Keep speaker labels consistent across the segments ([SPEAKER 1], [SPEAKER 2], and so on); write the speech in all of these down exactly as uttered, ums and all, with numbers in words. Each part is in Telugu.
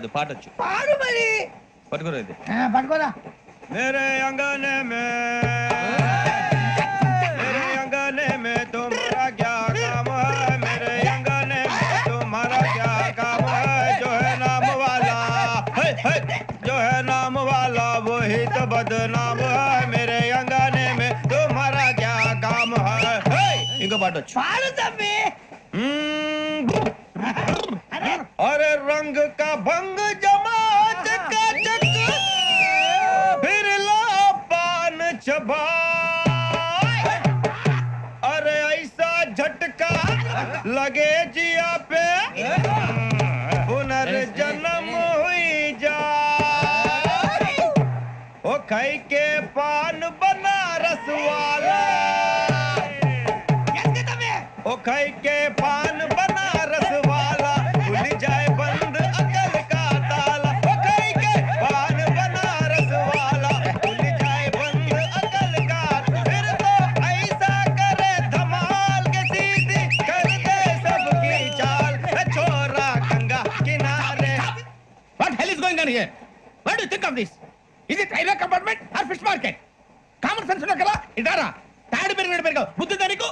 [SPEAKER 1] కాదు పాటొచ్చు.
[SPEAKER 2] పాడు మరి.
[SPEAKER 1] పట్టుకోరా ఇది.
[SPEAKER 2] పట్టుకోరా.
[SPEAKER 1] మేరే అంగనే మే మేరే అంగనే మే తుమ్హారా క్యా కామ్ హై మేరే అంగనే మే తుమ్హారా క్యా కామ్ హై జో హై నామ్ వాలా హై హై జో హై నామ్ వాలా వహీ తో బద్నామ్ హై మేరే అంగనే మే తుమ్హారా క్యా కామ్ హై హై. ఇంకో పాటొచ్చు.
[SPEAKER 2] పాడు తమ్మి.
[SPEAKER 1] अरे रंग का भंग जमा चकाचक फिर ला पान चबा अरे ऐसा झटका लगे जिया पे पुनर्जन्म हुई जा ओ खाई के पान बनारस वाला ओ खाई के पान बनारस वाला खुल जाए बंद अकल का ताला ओ खाई के पान बनारस वाला खुल जाए बंद अकल का फिर तो ऐसा करे धमाल के सीधी कर दे सबकी चाल छोरा गंगा किनारे.
[SPEAKER 3] What hell is going on here? What do you think of this? Is it railway compartment or fish market? Common sense ఉన్నా కదా ఇదారా తాడు పెరిగినట్టు పెరిగావు బుద్ధి దానికి.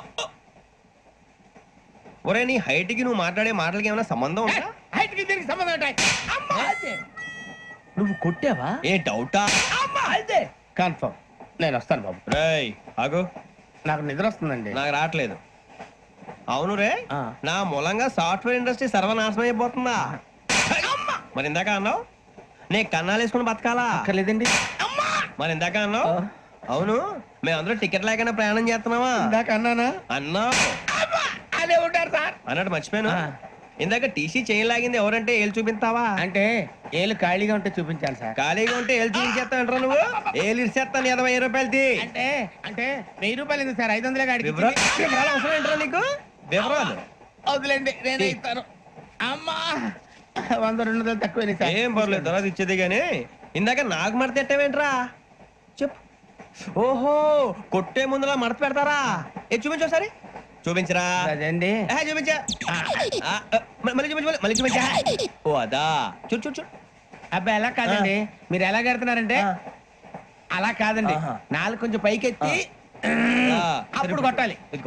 [SPEAKER 1] ఒరే నీ హైట్ కి నువ్వు మాట్లాడే మాటలకి ఏమైనా సంబంధం ఉందా?
[SPEAKER 3] హైట్ కి దీనికి సంబంధం ఉంటాయి. అమ్మా అదే
[SPEAKER 2] నువ్వు కొట్టావా?
[SPEAKER 1] ఏ డౌటా?
[SPEAKER 3] అమ్మా అదే కన్ఫర్మ్. నేను వస్తాను బాబు.
[SPEAKER 1] రేయ్ ఆగు.
[SPEAKER 3] నాకు నిద్ర వస్తుందండి.
[SPEAKER 1] నాకు రావట్లేదు. అవును రే
[SPEAKER 3] ఆ.
[SPEAKER 1] నా మూలంగా సాఫ్ట్వేర్ ఇండస్ట్రీ సర్వనాశనం అయిపోతుందా? మరి ఇందాక అన్నావు నే కన్నాలు వేసుకుని బతకాలా?
[SPEAKER 3] అక్కర్లేదండి.
[SPEAKER 1] మరి ఇందాక అన్నావు అవును మేమందరూ టికెట్ లేకుండా ప్రయాణం చేస్తున్నావా?
[SPEAKER 3] ఇందాక అన్నానా?
[SPEAKER 1] అన్నావు
[SPEAKER 3] అదే ఉంటారు సార్
[SPEAKER 1] అన్నట్టు మర్చిపోయాను.
[SPEAKER 3] ఆ.
[SPEAKER 1] ఇందాక టీసీ చేయి లాగింది ఎవరంటే ఏళ్ళు చూపిస్తావా?
[SPEAKER 3] అంటే ఏళ్ళు ఖాళీగా ఉంటే చూపించాలి సార్.
[SPEAKER 1] ఖాళీగా ఉంటే ఏళ్ళు చూపించేస్తానంటారా నువ్వు? ఏళ్ళు ఇచ్చేస్తాను ఇరవై ఐదు రూపాయలది.
[SPEAKER 3] అంటే అంటే వెయ్యి రూపాయలు ఎందుకు సార్? ఐదు వందలే గాడికి
[SPEAKER 1] వివరాలు వివరాలు అవసరం ఏంట్రా నీకు? వివరాలు
[SPEAKER 3] వదిలేండి నేనే ఇస్తాను. అమ్మా వంద రెండు వందలు తక్కువ
[SPEAKER 1] ఏం పర్లేదు తర్వాత ఇచ్చేది గానీ ఇందాక నాకు మడత ఎట్టవేంట్రా చెప్పు. ఓహో కొట్టే ముందులా మడత పెడతారా? ఏ చూపించు ఒకసారి చూపించరా.
[SPEAKER 3] అదండి
[SPEAKER 1] ఆహా, చూపించా ఆ, ఆ, మ- మళ్ళీ చూపించు మళ్ళీ చూపించా. ఓ అదా చూడు చూడు చూడు.
[SPEAKER 3] అబ్బాయి ఎలా కాదండి మీరు ఎలా కడుతున్నారంటే
[SPEAKER 1] ఆ.
[SPEAKER 3] అలా కాదండి
[SPEAKER 1] ఆహా.
[SPEAKER 3] నాలుగు కొంచెం పైకెత్తి
[SPEAKER 1] ఆ,
[SPEAKER 3] అప్పుడు కొట్టాలి.
[SPEAKER 1] ఇదిగో.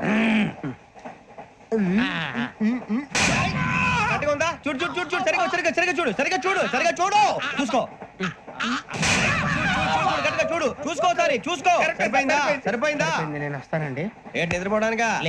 [SPEAKER 3] ఆ, ఆ.
[SPEAKER 1] కరెక్ట్గా ఉందా? చూడు చూడు చూడు చూడు సరిగా సరిగా సరిగా చూడు సరిగా చూడు సరిగా చూడు చూసుకో చూడు చూడు చూడు చూడు చూసుకో ఒకసారి చూసుకో.
[SPEAKER 3] కరెక్ట్,
[SPEAKER 1] సరిపోయిందా?
[SPEAKER 3] సరిపోయింది.
[SPEAKER 1] సరిపోయిందా?
[SPEAKER 3] సరిపోయింది, నేను వస్తానండి.
[SPEAKER 1] ఏంటి నిద్రపోవడానికా?